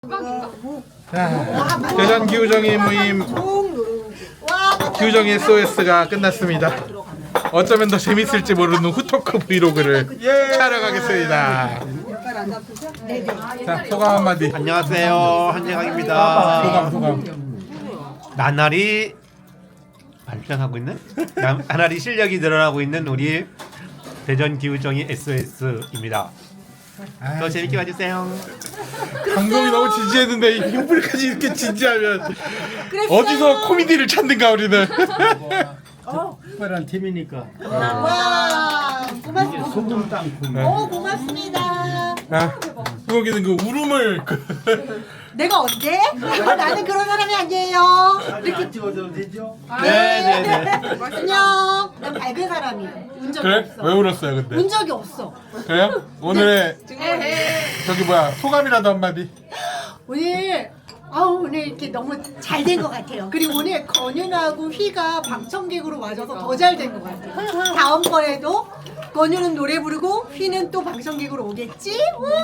자, 대전 기우정의 모임 기우정의 SOS가 끝났습니다. 어쩌면 더 재밌을지 모르는 후토크 브이로그를 촬영하겠습니다. 자, 소감 한마디. 안녕하세요, 한재강입니다. 소감. 나날이 발전하고 있는 나날이 실력이 늘어나고 있는 우리 대전 기우정의 SOS입니다. 더 재밌게 봐주세요. 방송이 너무 진지했는데 이 흉불까지 이렇게 진지하면 어디서 코미디를 찾는가 우리는. 특별한 팀이니까 와, 고맙습니다. 소금 땅콩. 고맙습니다. 수고기는 그 울음을 내가 언제? 나는 그런 사람이 아니에요. 이렇게 찍어도 되죠? 네네네. 안녕. 난 밝은 사람이에요. 운 적이 그래? 없어. 왜 울었어요 근데? 운 적이 없어. 그래요? 오늘의 저기 뭐야 소감이라도 한마디. 오늘 이렇게 너무 잘 된 것 같아요. 그리고 오늘 건윤하고 휘가 방청객으로 와줘서 더 잘 된 것 같아요. 다음번에도 건윤은 노래 부르고 휘는 또 방청객으로 오겠지?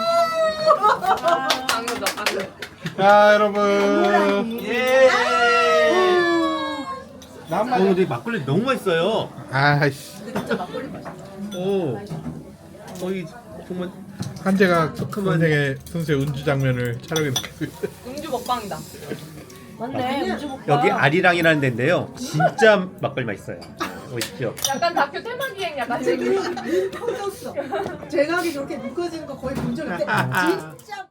자 여러분. 예. 근데 막걸리 너무 맛있어요. 아이씨. 오, 거의 정말 한재가 선생의 순수의 운주 장면을 촬영했습니다. 음주 먹방이다. 여기 아리랑이라는 데인데요. 진짜 막걸리 맛있어요. 오십시오. 약간 다큐 테마 기획 약간 지금. 터졌어. 제각이 저렇게 묶어지는 거 거의 본 적 없는데 진짜.